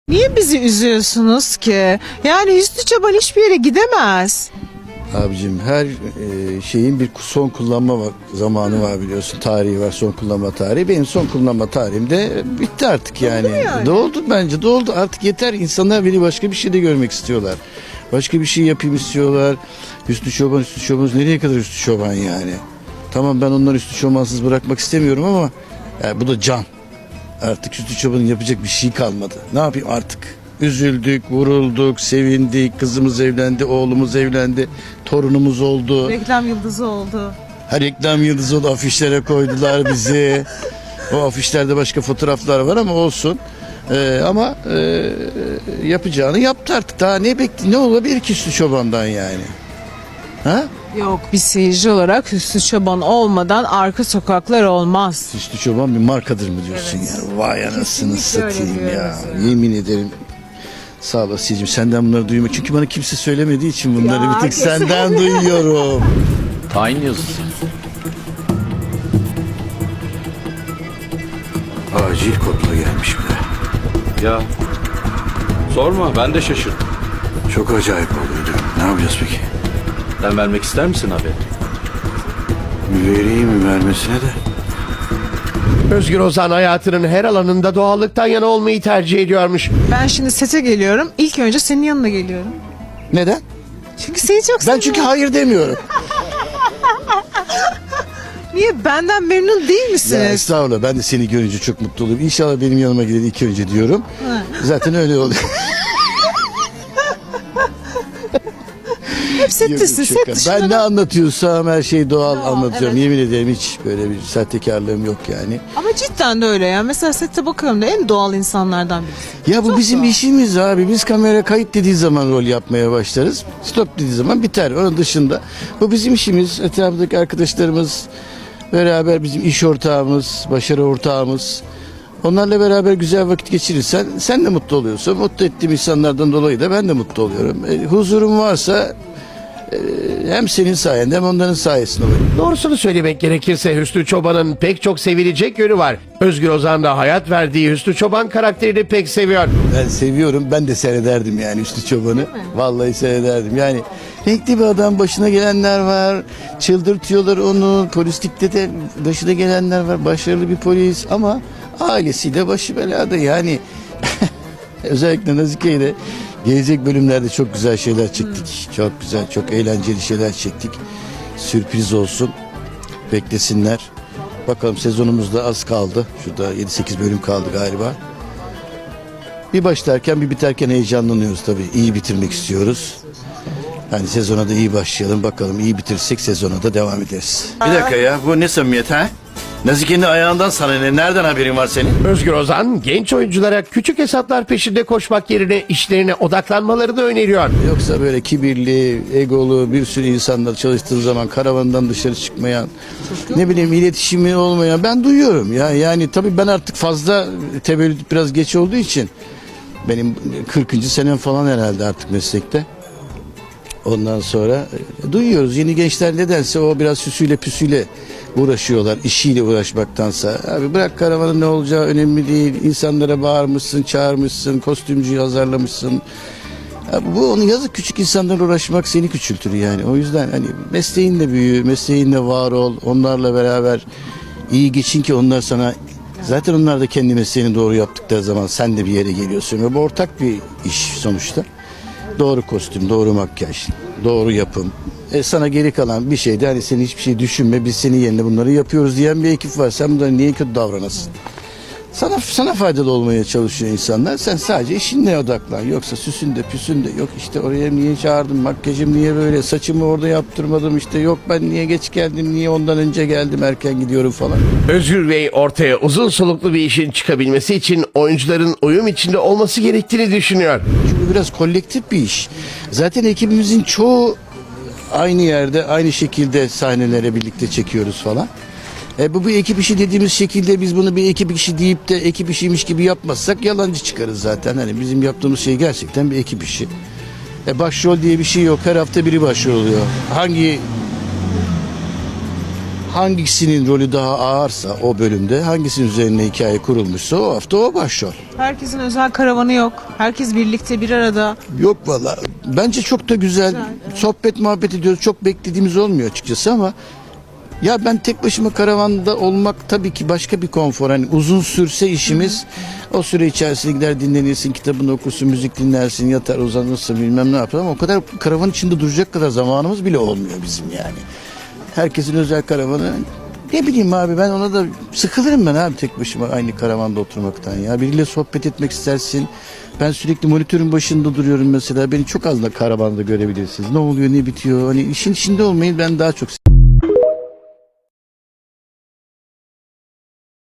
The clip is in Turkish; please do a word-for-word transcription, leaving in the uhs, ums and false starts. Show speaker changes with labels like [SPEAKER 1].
[SPEAKER 1] Niye bizi üzüyorsunuz ki? Yani Hüsnü Çoban hiçbir yere gidemez.
[SPEAKER 2] Abicim her e, şeyin bir son kullanma va- zamanı var biliyorsun. Tarihi var, son kullanma tarihi. Benim son kullanma tarihim de bitti artık yani.
[SPEAKER 1] mu yani?
[SPEAKER 2] Doldu bence, doldu. Artık yeter. İnsanlar beni başka bir şey de görmek istiyorlar. Başka bir şey yapayım istiyorlar. Hüsnü Çoban, Hüsnü Çoban. Nereye kadar Hüsnü Çoban yani? Tamam, ben onları Hüsnü Çobansız bırakmak istemiyorum ama yani bu da can. Artık Hüsnü Çoban'ın yapacak bir şey kalmadı. Ne yapayım artık? Üzüldük, vurulduk, sevindik. Kızımız evlendi, oğlumuz evlendi, torunumuz oldu.
[SPEAKER 1] Reklam yıldızı oldu.
[SPEAKER 2] Her reklam yıldızı oldu, afişlere koydular bizi. O afişlerde başka fotoğraflar var ama olsun. Ee, ama e, yapacağını yaptı artık. Daha ne bekli, ne olabilir ki Hüsnü Çoban'dan yani? Ha?
[SPEAKER 1] Yok, bir seyirci olarak Hüsnü Çoban olmadan arka sokaklar olmaz.
[SPEAKER 2] Hüsnü Çoban bir markadır mı diyorsun
[SPEAKER 1] Evet.
[SPEAKER 2] ya? Vay anasını
[SPEAKER 1] Kesinlikle öyle
[SPEAKER 2] satayım ya.
[SPEAKER 1] diyoruz yani.
[SPEAKER 2] Yemin ederim. Sağ ol Asiye'cim, senden bunları duymak. Çünkü bana kimse söylemediği için bunları
[SPEAKER 1] Ya,
[SPEAKER 2] bir tek
[SPEAKER 1] kesin.
[SPEAKER 2] senden duyuyorum.
[SPEAKER 3] Tayin yazısı.
[SPEAKER 2] Acil kodla gelmiş bir de.
[SPEAKER 3] Ya sorma, ben de şaşırdım.
[SPEAKER 2] Çok acayip oluyordu. Ne yapacağız peki?
[SPEAKER 3] Sen vermek ister misin haberi?
[SPEAKER 2] Vereyim mi vermesine de?
[SPEAKER 4] Özgür Ozan hayatının her alanında doğallıktan yana olmayı tercih ediyormuş.
[SPEAKER 1] Ben şimdi sete geliyorum. İlk önce senin yanına geliyorum.
[SPEAKER 2] Neden?
[SPEAKER 1] Çünkü seni çok
[SPEAKER 2] Ben
[SPEAKER 1] seviyorum.
[SPEAKER 2] çünkü hayır demiyorum.
[SPEAKER 1] Niye, benden memnun değil
[SPEAKER 2] Ya
[SPEAKER 1] misiniz?
[SPEAKER 2] estağfurullah, ben de seni görünce çok mutlu oluyorum. İnşallah benim yanıma gelir ilk önce diyorum.
[SPEAKER 1] Ha.
[SPEAKER 2] Zaten öyle oluyor.
[SPEAKER 1] Hep settesin,
[SPEAKER 2] Yok,
[SPEAKER 1] set
[SPEAKER 2] şaka.
[SPEAKER 1] dışında.
[SPEAKER 2] Ben ne anlatıyorsam her şeyi doğal
[SPEAKER 1] Doğal,
[SPEAKER 2] anlatıyorum.
[SPEAKER 1] evet.
[SPEAKER 2] Yemin ederim hiç böyle bir sahtekarlığım yok yani.
[SPEAKER 1] Ama cidden de öyle ya. Mesela sette bakıyorum da en doğal insanlardan birisi.
[SPEAKER 2] Ya bu
[SPEAKER 1] Çok
[SPEAKER 2] bizim
[SPEAKER 1] doğal.
[SPEAKER 2] işimiz abi. Biz kamera kayıt dediği zaman rol yapmaya başlarız. Stop dediği zaman biter. Onun dışında bu bizim işimiz. Etrafındaki arkadaşlarımız beraber bizim iş ortağımız, başarı ortağımız. Onlarla beraber güzel vakit geçirirsen sen de mutlu oluyorsun. Mutlu ettiğim insanlardan dolayı da ben de mutlu oluyorum. E, huzurum varsa e, hem senin sayende hem onların sayesinde oluyor.
[SPEAKER 4] Doğrusunu söylemek gerekirse Hüsnü Çoban'ın pek çok sevilecek yönü var. Özgür Ozan da hayat verdiği Hüsnü Çoban karakterini pek seviyor.
[SPEAKER 2] Ben seviyorum. Ben de seyrederdim yani Hüsnü Çoban'ı. Vallahi seyrederdim. Yani renkli bir adam, başına gelenler var. Çıldırtıyorlar onu. Polislikte de başına gelenler var. Başarılı bir polis ama ailesiyle başı belada yani. Özellikle Nazike'yle gelecek bölümlerde çok güzel şeyler çektik. Çok güzel, çok eğlenceli şeyler çektik. Sürpriz olsun. Beklesinler. Bakalım, sezonumuzda az kaldı. Şurada yedi sekiz bölüm kaldı galiba. Bir başlarken bir biterken heyecanlanıyoruz tabii. İyi bitirmek istiyoruz. Yani sezona da iyi başlayalım. Bakalım iyi bitirirsek sezona da devam ederiz. Bir dakika ya, bu ne samimiyet ha? Nazike'nin ayağından sana ne? Nereden haberin var senin?
[SPEAKER 4] Özgür Ozan genç oyunculara küçük hesaplar peşinde koşmak yerine işlerine odaklanmalarını öneriyor.
[SPEAKER 2] Yoksa böyle kibirli, egolu bir sürü insanlar çalıştığı zaman karavandan dışarı çıkmayan, ne bileyim iletişimi olmayan ben duyuyorum. Ya yani tabii ben artık fazla tevellüt biraz geç olduğu için benim kırkıncı senem falan herhalde artık meslekte. Ondan sonra e, duyuyoruz yeni gençler nedense o biraz süsüyle püsüyle uğraşıyorlar, işiyle uğraşmaktansa. Abi bırak, karavanın ne olacağı önemli değil. İnsanlara bağırmışsın, çağırmışsın, kostümcüyü azarlamışsın. Abi bu onu yazık, küçük insanlarla uğraşmak seni küçültür yani. O yüzden hani mesleğinle büyü, mesleğinle var ol, onlarla beraber iyi geçin ki onlar sana, zaten onlar da kendi mesleğini doğru yaptıkları zaman sen de bir yere geliyorsun ve bu ortak bir iş sonuçta. Doğru kostüm, doğru makyaj, doğru yapım. E sana geri kalan bir şey de hani senin hiçbir şey düşünme, biz senin yerine bunları yapıyoruz diyen bir ekip var. Sen bunlara niye kötü davranasın? Sana sana faydalı olmaya çalışıyor insanlar. Sen sadece işinle odaklan. Yoksa süsünde püsünde yok işte oraya niye çağırdım, makyajım niye böyle, saçımı orada yaptırmadım, işte yok ben niye geç geldim, niye ondan önce geldim, erken gidiyorum falan.
[SPEAKER 4] Özgür Bey ortaya uzun soluklu bir işin çıkabilmesi için oyuncuların uyum içinde olması gerektiğini düşünüyor.
[SPEAKER 2] Çünkü biraz kolektif bir iş. Zaten ekibimizin çoğu aynı yerde, aynı şekilde sahnelere birlikte çekiyoruz falan. E bu bir ekip işi dediğimiz şekilde biz bunu bir ekip işi deyip de ekip işiymiş gibi yapmazsak yalancı çıkarız zaten. Hani bizim yaptığımız şey gerçekten bir ekip işi. E başrol diye bir şey yok. Her hafta biri başrol oluyor. Hangi hangisinin rolü daha ağırsa o bölümde, hangisinin üzerine hikaye kurulmuşsa o hafta o başrol.
[SPEAKER 1] Herkesin özel karavanı yok. Herkes birlikte bir arada.
[SPEAKER 2] Yok valla. Bence çok da güzel. Sohbet muhabbet ediyoruz. Çok beklediğimiz olmuyor açıkçası ama ya ben tek başıma karavanda olmak tabii ki başka bir konfor. Hani uzun sürse işimiz o süre içerisinde gider dinlenirsin, kitabını okursun, müzik dinlersin, yatar uzanırsın bilmem ne yapar ama o kadar karavan içinde duracak kadar zamanımız bile olmuyor bizim yani. Herkesin özel karavanı. Ne bileyim abi ben ona da sıkılırım ben abi tek başıma aynı karavanda oturmaktan ya. Biriyle sohbet etmek istersin. Ben sürekli monitörün başında duruyorum mesela. Beni çok az da karavanda görebilirsiniz. Ne oluyor ne bitiyor. Hani işin içinde olmayı ben daha çok seviyorum.